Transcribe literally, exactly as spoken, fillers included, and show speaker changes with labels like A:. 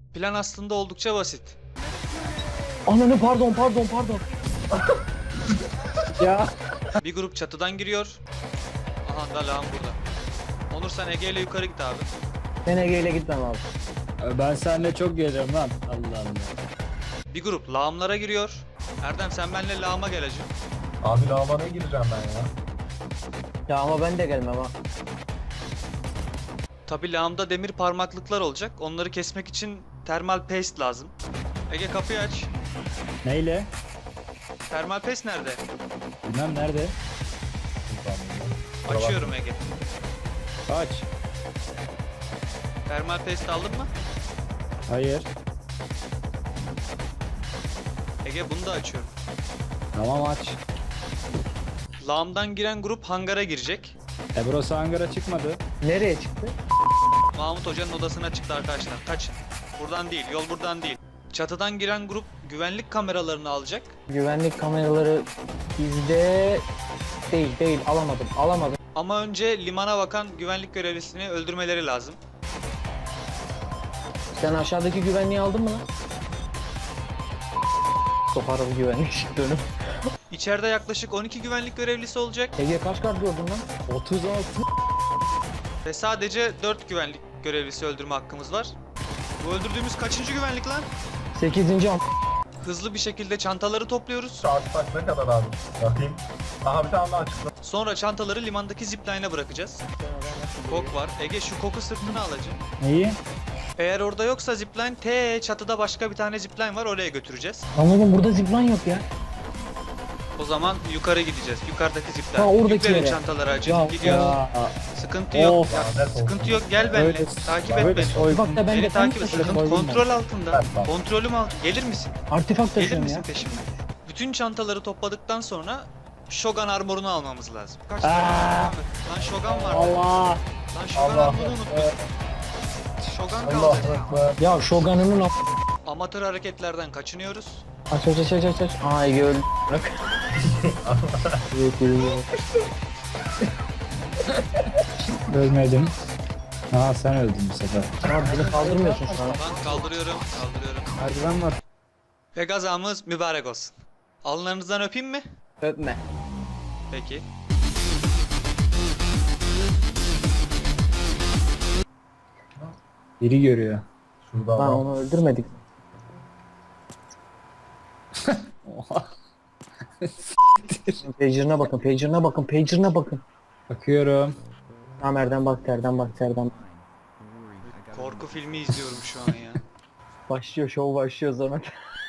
A: Plan aslında oldukça basit.
B: Ananı pardon pardon pardon. Ya.
A: Bir grup çatıdan giriyor. Aha da lağım burada. Onur sen Ege ile yukarı git abi.
B: Ben Ege ile gitmem abi.
C: Ben seninle çok geliyorum lan. Allah Allah.
A: Bir grup lağımlara giriyor. Erdem sen benimle lağıma gel hacı.
D: Abi lavabona gireceğim ben ya.
B: Ya ama ben de gelmem ha.
A: Tabi lağımda demir parmaklıklar olacak. Onları kesmek için termal paste lazım. Ege kapıyı aç.
C: Neyle?
A: Termal paste nerede?
C: Bilmem nerede.
A: Açıyorum Ege.
C: Aç.
A: Termal paste aldın mı?
C: Hayır.
A: Ege bunu da açıyorum.
C: Tamam aç.
A: Lağımdan giren grup hangara girecek.
C: E burası hangara çıkmadı.
B: Nereye çıktı?
A: Mahmut Hoca'nın odasına çıktı arkadaşlar. Kaçın. Buradan değil, yol buradan değil. Çatıdan giren grup güvenlik kameralarını alacak.
B: Güvenlik kameraları bizde değil değil alamadım alamadım.
A: Ama önce limana bakan güvenlik görevlisini öldürmeleri lazım.
B: Sen aşağıdaki güvenliği aldın mı lan? Sokarım güvenlik çıktığını.
A: İçeride yaklaşık on iki güvenlik görevlisi olacak
B: Ege kaç kart gördün lan?
C: otuz altı.
A: ve sadece dört güvenlik görevlisi öldürme hakkımız var. Bu öldürdüğümüz kaçıncı güvenlik lan?
B: Sekizinci am.
A: Hızlı bir şekilde çantaları topluyoruz.
D: Saat kaç ne kadar abi? Bakayım. Aha bir tane daha çıktı.
A: Sonra çantaları limandaki zipline'e bırakacağız. Kok var. Ege şu koku sırtına alacak.
C: Neyi?
A: Eğer orada yoksa zipline, T çatıda başka bir tane zipline var, oraya götüreceğiz.
B: Anladım burada zipline yok ya.
A: O zaman yukarı gideceğiz. Yukarıdaki zipline.
B: Ha, oradaki
A: Yüklerin
B: yere.
A: çantaları acı.
B: Ya,
A: Gidiyoruz.
C: Ya.
A: Sıkıntı yok.
C: Of.
A: Ya,
D: Lanet olsun.
A: sıkıntı yok. Gel benimle.
C: Öyle-
A: Takip et
C: Böyle
A: beni.
C: soygun.
B: Bak da ben de
A: Beni takip et.
B: tank
A: Sıkıntı
C: soygun var.
A: kontrol altında.
D: Evet, bak.
A: Kontrolüm altında. Gelir misin?
B: Artifak
A: Gelir
B: taşıyorum
A: misin
B: ya.
A: peşimden? Bütün çantaları topladıktan sonra Shogun armorunu almamız lazım. Kaç
C: Aa.
A: tane? Lan Shogun var.
C: Allah.
A: Lan Shogun
D: Allah
A: armorunu unuttum. Shogun
D: Allah
A: kaldı.
D: Ekber.
B: Ya Shogun'un am...
A: Amatör hareketlerden kaçınıyoruz.
B: Aç aç aç aç aç aç. Aa Ege öldü. Bırak. Yok öyle yok.
C: Ölmedim. Aa sen öldün bu sefer.
B: Abi beni kaldırmıyorsun şu an.
A: Ben kaldırıyorum. Kaldırıyorum.
C: Merdiven var.
A: Ve gazamız mübarek olsun. Alnlarınızdan öpeyim mi?
B: Öpme.
A: Peki.
C: Biri görüyor.
D: Şurada
B: Lan
D: adam.
B: onu öldürmedik.
C: Oha.
B: Pager'ına bakın, pager'ına bakın, pager'ına bakın.
C: Bakıyorum.
B: Tamam Erdem bak, Erdem bak, Erdem.
A: Korku filmi izliyorum şu an ya.
B: Başlıyor, show başlıyor Zamet.